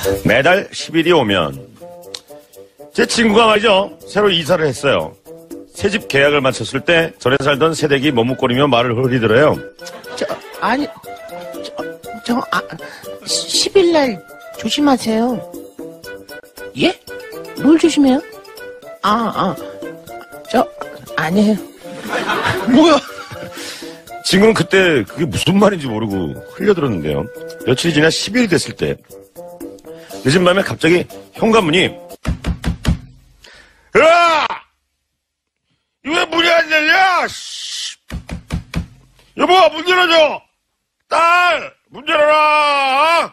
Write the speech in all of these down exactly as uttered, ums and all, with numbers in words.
매달 십 일이 오면 제 친구가 말이죠, 새로 이사를 했어요. 새집 계약을 마쳤을 때 전에 살던 새댁이 머뭇거리며 말을 흐리더래요. 저 아니 저, 저 아, 십 일 날 조심하세요. 예? 뭘 조심해요? 아, 아, 저 아니에요. 뭐야? 친구는 그때 그게 무슨 말인지 모르고 흘려들었는데요. 며칠이 지나 십 일이 됐을 때 늦은 밤에 갑자기 현관문이 야! 왜 문이 안 열려? 씨. 여보, 문 열어줘! 딸! 문 열어라!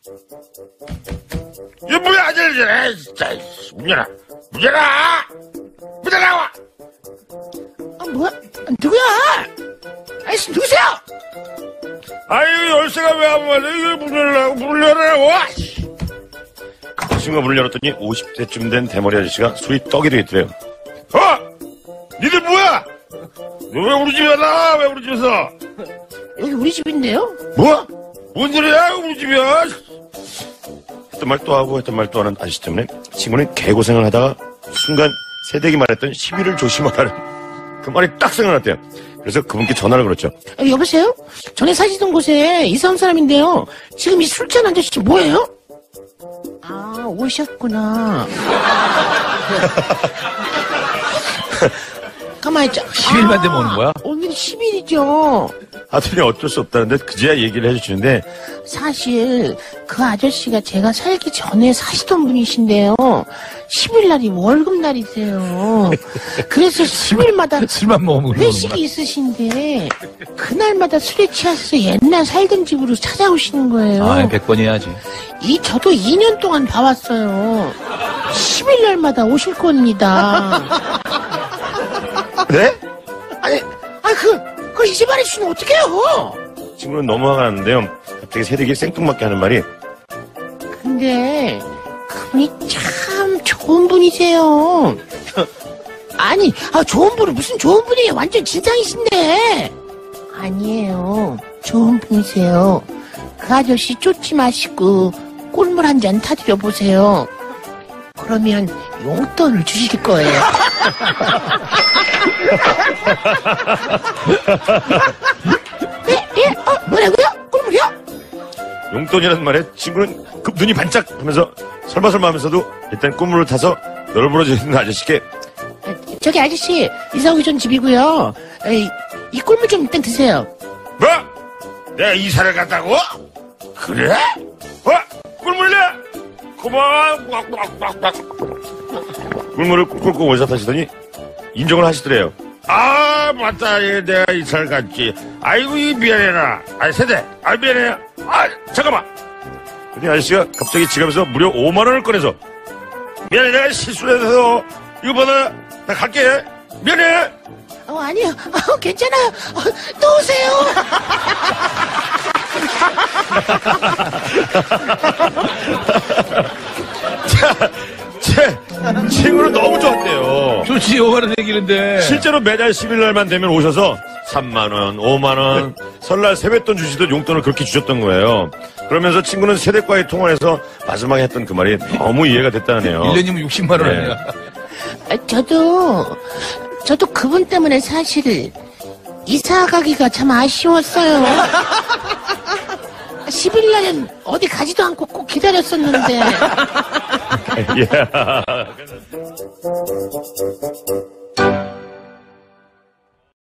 이 문이 안 열려! 진짜, 문 열어! 문 열어! 문 열어! 아, 뭐야? 누구야? 아이씨, 누구세요? 아유, 열쇠가 왜 안 맞아? 이거 문 열라고, 문 열어라! 와! 그 친구가 문을 열었더니 오십 대쯤 된 대머리 아저씨가 술이 떡이 되겠더래요. 어! 니들 뭐야? 너 왜 우리 집에 나? 왜 우리 집에서? 여기 우리 집인데요? 뭐? 뭔 소리야? 우리 집이야? 했던 말 또 하고 했던 말 또 하는 아저씨 때문에 친구는 개고생을 하다가 순간 새댁이 말했던 십 일을 조심하라는 그 말이 딱 생각났대요. 그래서 그분께 전화를 걸었죠. 아, 여보세요? 전에 사시던 곳에 이사 온 사람인데요. 지금 이 술잔 아저씨 뭐예요? 아, 오셨구나. 가만히 있자. 십 일만 되면 오는 거야? 오늘 십 일이죠. 하더니 어쩔 수 없다는데 그제야 얘기를 해주시는데 사실 그 아저씨가 제가 살기 전에 사시던 분이신데요. 십 일 날이 월급날이세요. 그래서 십 일마다 술만 먹으면 회식이 있으신데 그날마다 술에 취해서 옛날 살던 집으로 찾아오시는 거예요. 아, 백 번 해야지. 이 저도 이 년 동안 봐왔어요. 십 일 날마다 오실 겁니다. 네? 아니, 아 그, 그걸 이제 말해주시면 어떡해요? 친구는 너무 화가 났는데요. 갑자기 새댁이 생뚱맞게 하는 말이 근데 그분이 참 좋은 분이세요. 아니, 아 좋은 분은 무슨 좋은 분이에요. 완전 진상이신데. 아니에요. 좋은 분이세요. 그 아저씨 쫓지 마시고 꿀물 한 잔 타드려 보세요. 그러면 용돈을 주실 거예요. 예? 예? 어? 뭐라고요? 꿀물이요? 용돈이라는 말에 친구는 급 눈이 반짝 하면서 설마설마 하면서도 일단 꿀물을 타서 널브러져 있는 아저씨께 아, 저기 아저씨 이사 오기 전 집이고요. 에이, 이 꿀물 좀 일단 드세요. 뭐? 내가 이사를 갔다고? 그래? 어? 꿀물이네? 고마워. 꿀물을 꿀꿀 원샷하시더니 인정을 하시더래요. 아, 맞다. 예, 내가 이사를 갔지. 아이고, 이 미안해라. 아이, 세대. 아, 미안해. 아, 잠깐만. 근데 아저씨가 갑자기 지갑에서 무려 오만 원을 꺼내서 미안해, 내가 실수를 해서 이거 받아. 나 갈게. 미안해. 어, 아니요. 어, 괜찮아요. 어, 또 오세요. 자, 제 친구는 너무 좋았대요. 좋지, 오만 원 얘기는데. 실제로 매달 십 일 날만 되면 오셔서 삼만 원, 오만 원, 설날 세뱃돈 주시던 용돈을 그렇게 주셨던 거예요. 그러면서 친구는 세댁과의 통화에서 마지막에 했던 그 말이 너무 이해가 됐다네요. 일 년이면 육십만 원 아니야. 아, 저도 저도 그분 때문에 사실 이사 가기가 참 아쉬웠어요. 십 일 날은 어디 가지도 않고 꼭 기다렸었는데. 예.